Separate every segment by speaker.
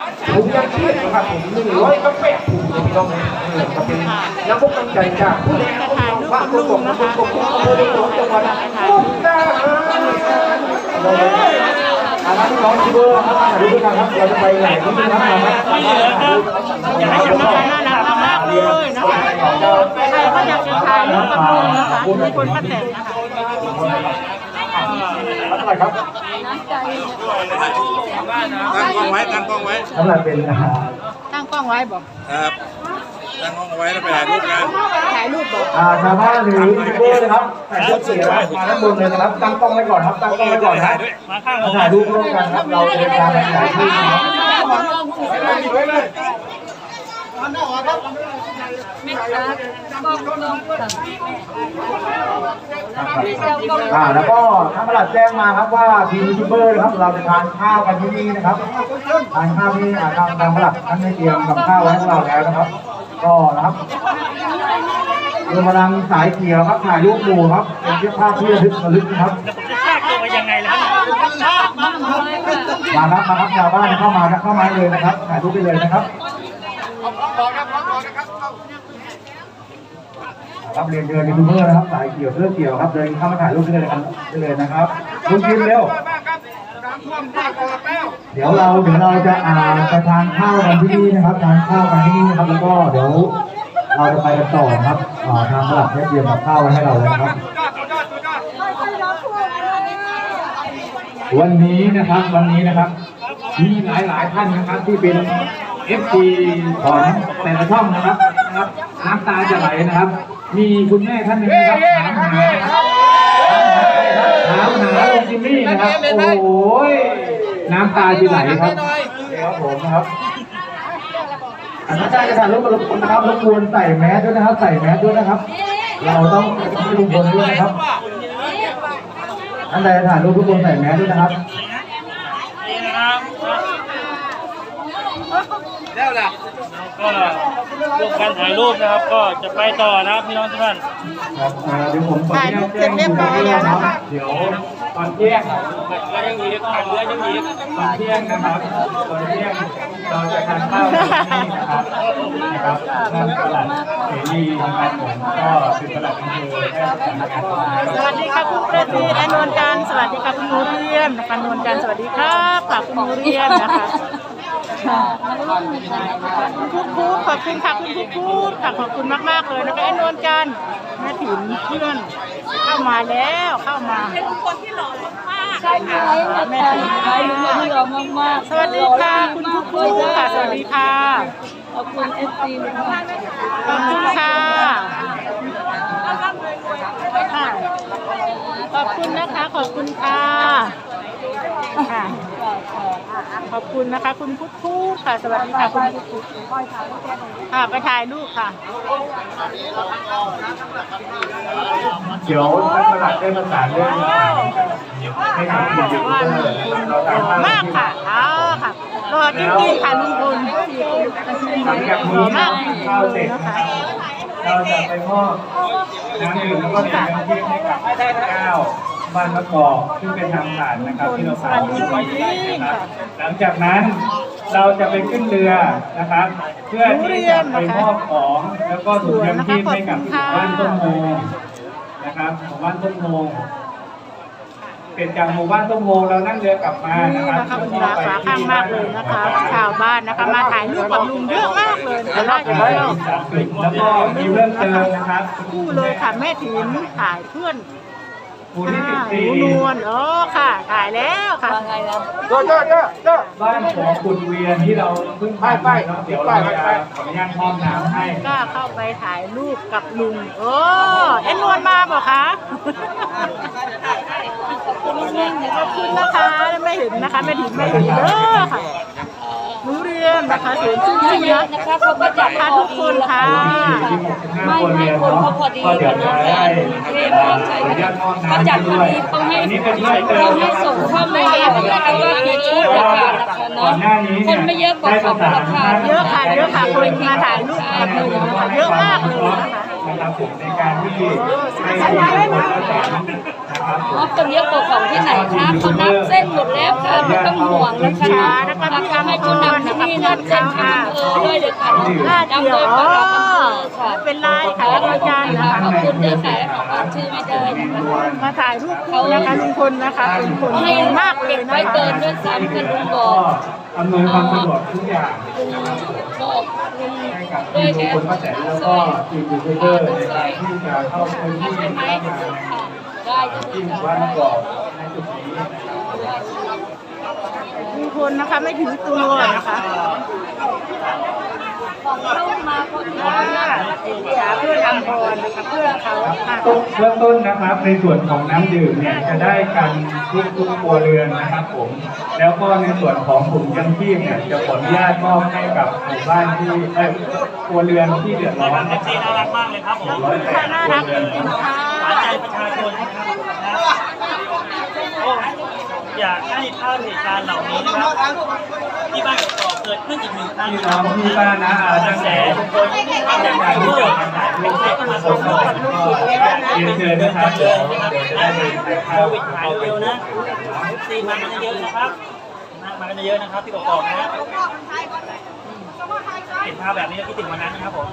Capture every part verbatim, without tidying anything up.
Speaker 1: ถุงยังชีพนะครับผมหนึ่งร้อยกาแฟถุงพี่น้องจะเป็นน้ำพกน้ำใจจากผู้เลี้ยงของเราบ้านตัวกบน้ำพกกบอำเภอเมืองจังหวัดมุกดาหารอาน้องที่เบอร์ครับถ่ายรูปด้วยกันครับเราจะไปไหนที่นี่ครับมาครับอยากให้จับมาน่ารักมากเลยนะคะใครก็อยากจะถ่ายรูปกับลุงนะคะมีคนมาแต่งนะคะอะไรครับ
Speaker 2: ตั้งกล้องไว้ตั้งกล้องไว้
Speaker 1: สำหรับเป็นอาหาร
Speaker 3: ตั้งกล้องไว้บอก
Speaker 2: ครับตั้งกล้องไว้แล้วไปถ่ายรูปกัน
Speaker 3: ถ่ายรูปบอก
Speaker 1: อ่าชาวบ้านหรือยูทูบเบอร์นะครับถ่ายรูปเสียมาด้านบนเลยนะครับตั้งกล้องไว้ก่อนครับตั้งกล้องไว้ก่อนนะมาถ่ายรูปร่วมกันครับเราเดินทางไปถ่ายรูปนะครับอ่าแล้วก็ท่านประหลัดแจ้งมาครับว่าทีมยูทูบเบอร์นะครับเราจะทานข้าวกันที่นี่นะครับทานข้าวที่ทางทางประหลัดท่านได้เตรียมกับข้าวไว้ให้เราแล้วนะครับก็นะครับเรือกำลังสายเขียวครับถ่ายรูปหมู่ครับเป็นเสื้อผ้าที่ระลึกระลึกนะครับมาครับมาครับชาวบ้านเข้ามาเข้ามาเลยนะครับถ่ายรูปไปเลยนะครับรับเรียนเดินยูทูบเบอร์นะครับสายเขียวเสื้อเขียวครับเดินเข้ามาถ่ายรูปได้เลยกันได้เลยนะครับลุงกินเร็วเดี๋ยวเราเดี๋ยวเราจะอ่าไปทานข้าวกันที่นี่นะครับทานข้าวกันที่นี่นะครับแล้วก็เดี๋ยวเราจะไปกันต่อครับทางตลาดได้เตรียมกับข้าวไว้ให้เราแล้วนะครับวันนี้นะครับวันนี้นะครับมีหลายหลายท่านนะครับที่เป็น เอฟ ซี ของแต่ละช่องนะครับนะครับน้ำตาจะไหลนะครับมีคุณแม่ท่านหนึ่งนะครับถามหาถามหาลุงจิมมี่นะครับโอ้โหน้ำตาจะไหลครับเดี๋ยวผมนะครับอาจารย์จะถ่ายรูปกับลุงพลนะครับรบกวนใส่แมสด้วยนะครับใส่แมสด้วยนะครับเราต้องให้ลุงพลด้วยนะครับท่านใดถ่ายรูปทุกคนใส่แมสด้วยนะครับ
Speaker 2: แล้วล่ะ
Speaker 4: ก็ร่วมกันถ่ายรูปนะครับก็จะไปต่อนะครับพี่น้องทุกท่าน
Speaker 1: ครับเดี๋ยวผมขอแจ้งแจ้งคุณด้วยนะครับเดี๋ยวตอนเที่ยง
Speaker 4: ก็ยังมีทางเรือยังมี
Speaker 1: ตอนเที่ยงนะครับตอนเที่ยงเราจะทานข้าวที่นี่นะครับนะครับท่านประหลัดเสรีนะครับผมก็เป็นประหลัดอำเภอแพร่สำนักงาน
Speaker 3: สวัสดีค่ะคุณประทีและนวลจันทร์สวัสดีค่ะคุณนูเรียนนะคะนวลจันทร์สวัสดีครับค่ะคุณนูเรียนนะคะคุณคุกขอบคุณค่ะคุณคุกคุกค่ะขอบคุณมากๆเลยนะคะไอ้นวลจันทร์แม่ถิ่นเพื่อนเข้ามาแล้วเข้ามา
Speaker 5: เป็นคนที่หล่อมาก
Speaker 3: ใช่ไหมแม่ถิ่น
Speaker 5: ที่หล่อมาก
Speaker 3: ๆสวัสดีค่ะคุณคุกคุกค่ะสวัสดีค่ะ
Speaker 5: ขอบคุณเอฟซีมาก
Speaker 3: ขอบคุณค่ะขอบคุณนะคะขอบคุณค่ะค่ะขอบคุณนะคะคุณพุทธพูดค่ะสวัสดีค่ะคุณพุทธพูดค่ะไปถ่ายรูปค่ะ
Speaker 1: เดี๋ยวท่านประหลัดได้ประสานเรื่องให้ทำกิจกรรมเราตามมาม
Speaker 3: ากค่ะเอาค่ะรอจริงๆค่ะลุงพล
Speaker 1: หลังจากนี้ข้าวเสร็จนะคะเราจะไปมอบน้ำดื่มแล้วก็น้ำจิ้มให้กับเก้าบ้านมะกอกซึ่งเป็นทางผ่านนะครับที่เราผ่านไว้นะครับหลังจากนั้นเราจะไปขึ้นเรือนะครับเพื่อที่จะไปมอบของแล้วก็ถุงยางชีพให้กับบ้านต้นโมนะครับของบ้านต้นโมเป็นจากหมู่บ้านต้นโมเรานั่งเรือกลับมานะครับ
Speaker 3: คุณราคาข้างมากเลยนะคะชาวบ้านนะคะมาถ่ายรูปกับลุงเยอะมากเลยแต่น่าจะเที่ยว
Speaker 1: แล้วก็มีเรื่องเติมนะครับ
Speaker 3: คู่เลยค่ะแม่ถิ่นถ่ายเพื่อน
Speaker 1: ผู้ที่ติดตี
Speaker 3: นวลอ๋อค่ะถ่ายแล้วค่ะ
Speaker 5: ไงล่ะ
Speaker 1: เจ้าเจ้าเจ้าเจ้าบ้านของคุณเวียนที่เราเพิ่งไปไปเดี๋ยวเราจะขออนุญาตมอบน้ำให้
Speaker 3: ก็เข้าไปถ่ายรูปกับลุงโอ้เอ็นนวลมาบอกคะขอบคุณนะคะไม่เห็นนะคะไม่ถึงไม่เห็นเด้อค่ะรู้เรียนนะคะเสียงชื่นชื่นนะ
Speaker 5: นะคะเขาก็จัด
Speaker 3: ค่ะทุกคนค่ะ
Speaker 5: ไม่ไม่คนเขาพอดีกันนะแฟนเทพมากใช่เขาจัดพอดีเขาให้เขาให้ส่งเข้ามานะคะว่ากี่ชุดราคานะคะเนาะคนไม่เยอะกว่าของราคา
Speaker 3: เยอะค่ะเยอะค่ะคนมาถ่ายรูปกับลุงนะคะเยอะมากเลยนะคะ
Speaker 1: นะครับผมในการที่ให้คนละแสนนะครับ
Speaker 5: อ๋อคนเยอะกว่าของที่ไหนคะเขานับเส้นหมดแล้วค่ะไม่ต้องห่วงนะคะราคาให้เขานำที่นี่
Speaker 3: อนเขาค่ะ
Speaker 5: อำเภอด้วยเดี๋ยวค่ะ
Speaker 3: น่าเกี่ยว
Speaker 5: นำโดยปลัดอำเภอค่ะ
Speaker 3: ไม่เป็นไรค่ะแล้วอาจารย์นะคะ
Speaker 5: ขอบคุณด้วยค่ะขอชื่อไม่ได้นะคะ
Speaker 3: มาถ่ายรูปคู่นะคะลุงพลนะคะเป็นคน
Speaker 5: ให้
Speaker 3: ดีมากเลยนะ
Speaker 5: ไป
Speaker 3: คะ
Speaker 5: เกินด้วยซ้ำกันลุงบอก
Speaker 1: อำนวยความสะดวกทุกอย่าง
Speaker 5: บอกลุง
Speaker 1: ให้กับ
Speaker 5: ด้วย
Speaker 1: ทีม
Speaker 5: แค่
Speaker 1: คนป้าแตนแล้วก็ทีมยูทูบเบอร์ในการที่จะเข้าพื้นที่
Speaker 5: ใช่ไหม
Speaker 1: เข้ามา
Speaker 5: ค่ะได้จะ
Speaker 1: ที่ห
Speaker 5: ได้
Speaker 1: มู่บ้านมะกอกในจุดนี้นะครับ
Speaker 3: ลุงพลนะคะไม่ถึงตัวนะคะ
Speaker 5: เข้ามาคน
Speaker 3: ค่ะหาเพื่อนอัมพรนะคะเพื่อนเขาค่ะ
Speaker 1: ต้นเริ่มต้นนะครับในส่วนของน้ำดื่มเนี่ยจะได้กันทุกทุกครัวเรือนนะครับผมแล้วก็ในส่วนของถุงยังชีพเนี่ยจะขออนุญาตมอบให้กับหมู่บ้านที่เอ้ยครัวเรือนที่เดือดร้อน
Speaker 4: เอฟซีน่ารักมากเลยครับผม
Speaker 1: ร้อยแปด
Speaker 3: น่า
Speaker 1: ครั
Speaker 3: รั
Speaker 1: ว
Speaker 3: ก
Speaker 1: เรื
Speaker 3: จ
Speaker 1: อน
Speaker 3: ริงๆค่ะ
Speaker 4: หวานใจประชาชนนะครับนะโอ้อยากให้ภาพเหตุการณ์เหล่านี้นะครับที่บ้านกอกเกิดขึ้นอีกหนึ่งครั้ง
Speaker 1: พี่
Speaker 4: นะ
Speaker 1: น้
Speaker 4: ค
Speaker 1: อ
Speaker 4: รั
Speaker 1: ง
Speaker 4: บ
Speaker 1: พี่ป้านะอา
Speaker 4: ตั้
Speaker 1: ตั้
Speaker 4: ง
Speaker 1: ง
Speaker 4: แต่
Speaker 1: แต่
Speaker 4: ทุกคนตั้งแต่การเกิดเป็นใครก็มาส่งต่อ
Speaker 1: เรียนเชิญนะครับ
Speaker 4: เจ
Speaker 1: เดี๋ยว
Speaker 4: อนะครับ
Speaker 1: เดี๋ยวจะได้ไปถ่าย
Speaker 4: โค
Speaker 1: ภาพ
Speaker 4: วิดหายเร็วนะเอฟซีมากันเยอะๆนะครับมากันเยอะๆนะครับที่กอกนะเห็นภาพแบบนี้แล้วคิดถึงวันนั้นนะครับผม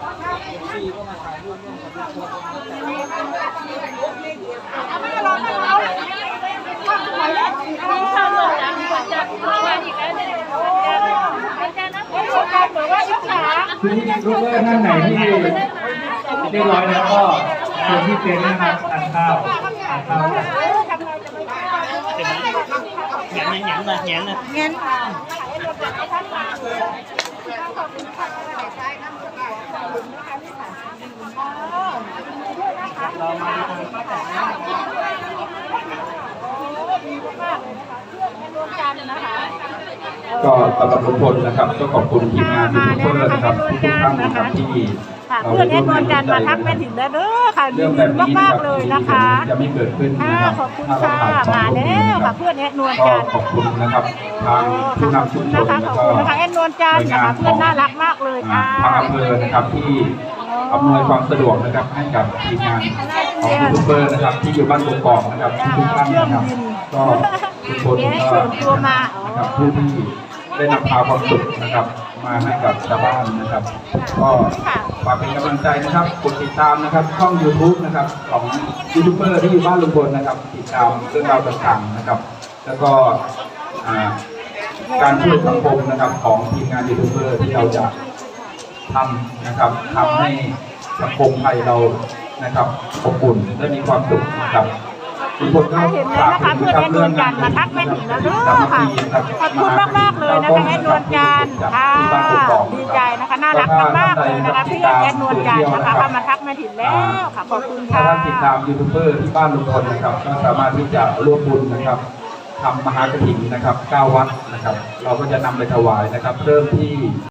Speaker 1: คือลูกเบอร์ท่านไหนที่เรียบร้อยแล้วก็เชิญที่เต็นท์นะครับทานข้าวทานข้าวกัน
Speaker 4: เห็นไหมแหงนแหงนนะแหงนนะ
Speaker 3: งั้น
Speaker 4: เรามาดูทางป้าแต่นะ
Speaker 6: ก็สำหรับลุงพลนะครับก็ขอบคุณทีมงานทุกคนนะครับทุกท่านนะครับที่
Speaker 3: ค่ะ
Speaker 6: เรา
Speaker 3: เพื่อนแอ
Speaker 6: ได้
Speaker 3: ด
Speaker 6: ร่ว
Speaker 3: น
Speaker 6: ม
Speaker 3: วล
Speaker 6: แรง
Speaker 3: จันทร์มาทักแม่
Speaker 6: ใจ
Speaker 3: ถิ่นแล้วเด้อค่ะดี
Speaker 6: เรื่องแบบนี้นะ
Speaker 3: มาก
Speaker 6: ครับ
Speaker 3: ๆเลยนะคะ
Speaker 6: จะไม่เกิดขึ้น
Speaker 3: ค่ะ
Speaker 6: นะครับ
Speaker 3: ขอบคุณ
Speaker 6: ถ้า
Speaker 3: ค่ะ
Speaker 6: เราผ่านสอง
Speaker 3: มา
Speaker 6: คน
Speaker 3: แล้ว
Speaker 6: นะค
Speaker 3: ค่ะ
Speaker 6: รับ
Speaker 3: เพื่อนแอดนวล
Speaker 6: ก็
Speaker 3: จันทร์
Speaker 6: ขอบคุณนะครับทางผู้นำชุมชน
Speaker 3: นะคะ
Speaker 6: แล้ว
Speaker 3: ขอบ
Speaker 6: ก็
Speaker 3: คุณนะคะแอดนวลจันทร์นะคะเพื่อนน่ารักมากเลยค่ะ
Speaker 6: ทางอำเภอนะครับที่อำนวยความสะดวกนะครับให้กับทีมงานของยูทูบเบอร์นะครับที่อยู่บ้านกกอกนะครับทุกท่านนะครับก็ทุกคนก็นะครับผู้ที่ได้นำพาความสุขนะครับมาให้กับชาวบ้านนะครับ ก็ฝากเป็นกำลังใจนะครับกดติดตามนะครับช่อง ยูทูบ นะครับของยูทูบเบอร์ที่อยู่บ้านลุงพลนะครับ ติดตามเรื่องราวต่างๆนะครับ แล้วก็อ่าการช่วยสังคมนะครับของทีมงานยูทูบเบอร์ที่เราจะทำนะครับทำให้สังคมไทยเรานะครับอบอุ่นและมีความสุขนะครับทุกคนก็
Speaker 3: เห็นแล้วนะคะเพื่อนแอดนวลจันทร์มาทักแม่ถิ่นแล้วเด้อค่ะขอบคุณมากๆเลยนะคะแอดนวลจันทร์ค่ะดีใจนะคะน่ารักมากๆเลยนะคะเพื่อนแอดนวลจันทร์นะคะเข้ามาทักแม่ถิ่นแล้วค่ะขอบคุณ
Speaker 6: ถ้า
Speaker 3: ค่ะ
Speaker 6: ท่านติดตามยูทูบเบอร์ที่บ้านลุงพลนะครับก็สามารถที่จะร่วมบุญนะครับทำมหากฐินนะครับเก้าวัดนะครับ เราก็จะนำไปถวายนะครับเริ่มที่